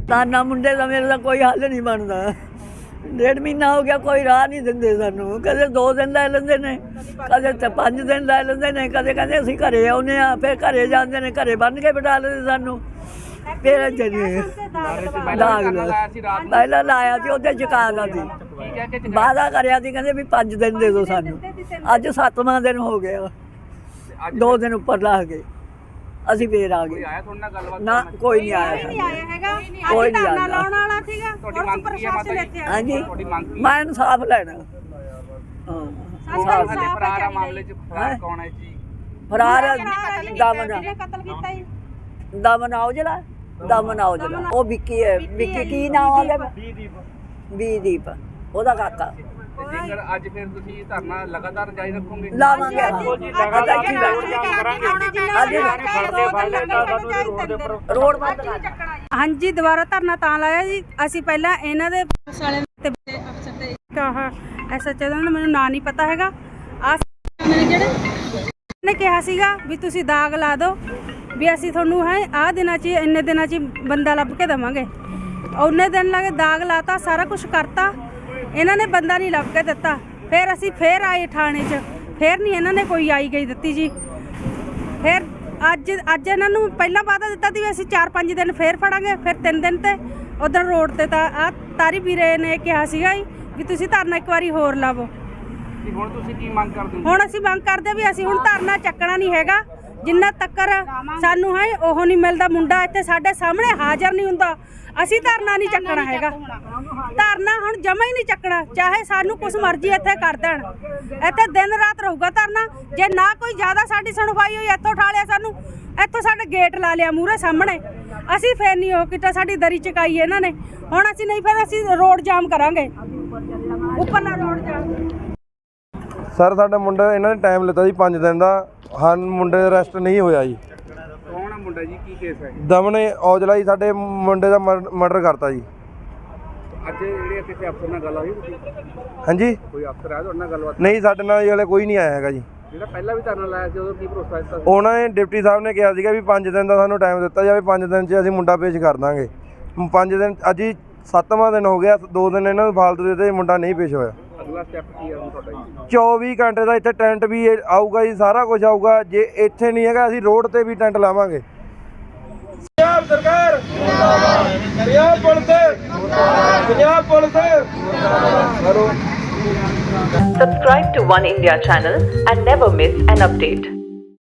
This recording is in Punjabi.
ਤਾਨਾ ਮੁੰਡੇ ਦਾ ਮੇਰੇ ਦਾ ਕੋਈ ਹੱਲ ਨਹੀਂ ਬਣਦਾ। 1.5 ਮਹੀਨਾ ਹੋ ਗਿਆ, ਕੋਈ ਰਾਹ ਨਹੀਂ ਦਿੰਦੇ ਸਾਨੂੰ। ਕਦੇ 2 ਦਿਨ ਲੈ ਲੈਂਦੇ ਨੇ, ਕਦੇ 5 ਦਿਨ ਲੈ ਲੈਂਦੇ ਨੇ, ਕਦੇ ਕਹਿੰਦੇ ਅਸੀਂ ਘਰੇ ਆਉਂਦੇ ਹਾਂ, ਫਿਰ ਘਰੇ ਜਾਂਦੇ ਨੇ, ਘਰੇ ਬੰਨ੍ਹ ਕੇ ਬਿਠਾ ਲੈਂਦੇ ਸਾਨੂੰ। ਫਿਰ ਪਹਿਲਾਂ ਲਾਇਆ ਸੀ, ਉਹਦੇ ਚੁਕਾ ਸੀ, ਵਾਅਦਾ ਕਰਿਆ ਸੀ, ਕਹਿੰਦੇ ਵੀ 5 ਦਿਨ ਦੇ ਦਿਓ ਸਾਨੂੰ। ਅੱਜ 7ਵਾਂ ਦਿਨ ਹੋ ਗਿਆ, 2 ਦਿਨ ਉੱਪਰ ਲਾ ਗਏ, ਅਸੀਂ ਫੇਰ ਆ ਗਏ। ਨਾ ਕੋਈ ਨਹੀਂ ਆਇਆ ਹੈਗਾ, ਕੋਈ ਨਹੀਂ ਆਇਆ ਲਾਉਣ ਵਾਲਾ ਸੀਗਾ। ਹਾਂਜੀ, ਮੈਂ ਇਨਸਾਫ ਲੈਣਾ। ਫਰਾਰ ਦਮਨ ਔਜਲਾ, ਦਮਨ ਔਜਲਾ, ਉਹ ਵਿੱਕੀ ਹੈ। ਵਿੱਕੀ ਕੀ ਨਾਮ ਉਹਦਾ? ਵੀਦੀਪ, ਉਹਦਾ ਕਾਕਾ। ਜੇਕਰ ਅੱਜ ਫਿਰ ਤੁਸੀਂ ਧਰਨਾ ਲਗਾਤਾਰ ਜਾਰੀ ਰੱਖੋਗੇ? ਲਾਵਾਂਗੇ। ਰੋਡ ਬੰਦ ਕਰ। ਹਾਂਜੀ, ਦੁਬਾਰਾ ਧਰਨਾ ਤਾਂ ਲਾਇਆ ਜੀ। ਅਸੀਂ ਪਹਿਲਾਂ ਇਹਨਾਂ ਦੇ ਅਫਸਰ ਤੇ ਐਸਐਚਓ ਦਾ ਮੈਨੂੰ ਨਾਂ ਨਹੀਂ ਪਤਾ ਹੈਗਾ। ਜਿਹੜੇ ਨੇ ਕਿਹਾ ਸੀਗਾ ਵੀ ਤੁਸੀਂ ਦਾਗ ਲਾ ਦਿਓ, ਵੀ ਅਸੀਂ ਤੁਹਾਨੂੰ ਹੈ ਆਹ ਦਿਨਾਂ 'ਚ ਇੰਨੇ ਦਿਨਾਂ 'ਚ ਬੰਦਾ ਲੱਭ ਕੇ ਦੇਵਾਂਗੇ। ਉਹਨੇ ਦਿਨ ਲੱਗੇ, ਦਾਗ ਲਾਤਾ, ਸਾਰਾ ਕੁਛ ਕਰਤਾ, ਇਹਨਾਂ ਨੇ ਬੰਦਾ ਨਹੀਂ ਲੱਭ ਕੇ ਦਿੱਤਾ। ਫਿਰ ਅਸੀਂ ਫੇਰ ਆਏ ਥਾਣੇ 'ਚ, ਫਿਰ ਨਹੀਂ ਇਹਨਾਂ ਨੇ ਕੋਈ ਆਈ ਗਈ ਦਿੱਤੀ ਜੀ। ਫਿਰ ਅੱਜ ਇਹਨਾਂ ਨੂੰ ਪਹਿਲਾਂ ਵਾਅਦਾ ਦਿੱਤਾ ਸੀ ਵੀ ਅਸੀਂ 4-5 ਦਿਨ ਫੇਰ ਫੜਾਂਗੇ, ਫਿਰ 3 ਦਿਨ ਤੇ ਉਧਰ ਰੋਡ ਤੇ ਤਾਂ ਆਹ ਤਾਰੀ ਵੀਰੇ ਨੇ ਕਿਹਾ ਸੀਗਾ ਵੀ ਤੁਸੀਂ ਧਰਨਾ ਇੱਕ ਵਾਰੀ ਹੋਰ ਲਾਵੋ। ਹੁਣ ਤੁਸੀਂ ਕੀ ਮੰਗ ਕਰਦੇ ਹੋ? ਹੁਣ ਅਸੀਂ ਮੰਗ ਕਰਦੇ ਵੀ ਅਸੀਂ ਹੁਣ ਧਰਨਾ ਚੱਕਣਾ ਨਹੀਂ ਹੈਗਾ ਜਿੰਨਾ ਤੱਕਰ ਸਾਨੂੰ ਹੈ ਉਹ ਨਹੀਂ ਮਿਲਦਾ। ਮੁੰਡਾ ਇੱਥੇ ਸਾਡੇ ਸਾਹਮਣੇ ਹਾਜ਼ਰ ਨਹੀਂ ਹੁੰਦਾ, ਅਸੀਂ ਧਰਨਾ ਨਹੀਂ ਚੱਕਣਾ ਹੈਗਾ। ਧਰਨਾ ਹੁਣ ਜਮਾ ਹੀ ਨਹੀਂ ਚੱਕਣਾ, ਚਾਹੇ ਸਾਨੂੰ ਕੁਛ ਮਰਜ਼ੀ ਇੱਥੇ ਕਰ ਦੇਣ। ਇੱਥੇ ਦਿਨ ਰਾਤ ਰਹੂਗਾ ਧਰਨਾ। ਜੇ ਨਾ ਕੋਈ ਜ਼ਿਆਦਾ ਸਾਡੀ ਸੁਣਵਾਈ ਹੋਈ, ਇੱਥੋਂ ਉਠਾ ਲਿਆ ਸਾਨੂੰ, ਇੱਥੋਂ ਸਾਡੇ ਗੇਟ ਲਾ ਲਿਆ ਮੂਹਰੇ ਸਾਹਮਣੇ, ਅਸੀਂ ਫਿਰ ਨਹੀਂ ਉਹ ਕੀਤਾ, ਸਾਡੀ ਦਰੀ ਚਕਾਈ ਇਹਨਾਂ ਨੇ। ਹੁਣ ਅਸੀਂ ਨਹੀਂ, ਫਿਰ ਅਸੀਂ ਰੋਡ ਜਾਮ ਕਰਾਂਗੇ, ਉੱਪਰਲਾ ਰੋਡ ਜਾਮ। ਸਰ ਸਾਡਾ ਮੁੰਡਾ ਇਹਨਾਂ ਨੇ ਟਾਈਮ ਲਿੱਤਾ ਜੀ 5 ਦਿਨ ਦਾ, ਹਾਂ ਮੁੰਡੇ ਦਾ ਅਰੈਸਟ ਨਹੀਂ ਹੋਇਆ ਜੀ। ਕੌਣ ਆ ਮੁੰਡਾ ਜੀ, ਕੀ ਕੇਸ ਹੈ? ਦਮਨ ਔਜਲਾ ਜੀ, ਸਾਡੇ ਮੁੰਡੇ ਦਾ ਮਰਡਰ ਕਰਤਾ ਜੀ। ਅੱਜ ਜਿਹੜੇ ਕਿਸੇ ਅਫਸਰ ਨਾਲ ਗੱਲ ਹੋਈ? ਹਾਂਜੀ, ਕੋਈ ਅਫਸਰ ਆਇਆ ਤੁਹਾਡੇ ਨਾਲ ਗੱਲਬਾਤ? ਨਹੀਂ, ਸਾਡੇ ਨਾਲ ਜੀ ਹਲੇ ਕੋਈ ਨਹੀਂ ਆਇਆ ਹੈਗਾ ਜੀ। ਜਿਹੜਾ ਪਹਿਲਾਂ ਵੀ ਧਰਨਾ ਲਾਇਆ ਸੀ, ਉਦੋਂ ਕੀ ਭਰੋਸਾ ਦਿੱਤਾ ਸੀ? ਉਹਨਾਂ ਨੇ ਡਿਪਟੀ ਸਾਹਿਬ ਨੇ ਕਿਹਾ ਸੀਗਾ ਵੀ 5 ਦਿਨ ਦਾ ਸਾਨੂੰ ਟਾਈਮ ਦਿੱਤਾ ਜਾਵੇ, 5 ਦਿਨ 'ਚ ਅਸੀਂ ਮੁੰਡਾ ਪੇਸ਼ ਕਰ ਦਾਂਗੇ। 5 ਦਿਨ, ਅੱਜ ਹੀ 7ਵਾਂ ਦਿਨ ਹੋ ਗਿਆ, 2 ਦਿਨ ਇਹਨਾਂ ਨੂੰ ਫਾਲਤੂ ਦੇ ਦਿੱਤੇ, ਮੁੰਡਾ ਨਹੀਂ ਪੇਸ਼ ਹੋਇਆ। ਅਗਲਾ ਸਟੈਪ ਕੀ ਹੈ ਹੁਣ ਤੁਹਾਡਾ ਜੀ? 24 ਘੰਟੇ ਦਾ ਇੱਥੇ ਟੈਂਟ ਵੀ ਆਊਗਾ ਜੀ, ਸਾਰਾ ਕੁਝ ਆਊਗਾ। ਜੇ ਇੱਥੇ ਨਹੀਂ ਹੈਗਾ, ਅਸੀਂ ਰੋਡ ਤੇ ਵੀ ਟੈਂਟ ਲਾਵਾਂਗੇ। ਪੰਜਾਬ ਸਰਕਾਰ ਮੁਰਦਾਬਾਦ, ਪੰਜਾਬ ਪੁਲਿਸ ਮੁਰਦਾਬਾਦ, ਪੰਜਾਬ ਪੁਲਿਸ ਕਰੋ। Subscribe to One India channel and never miss an update.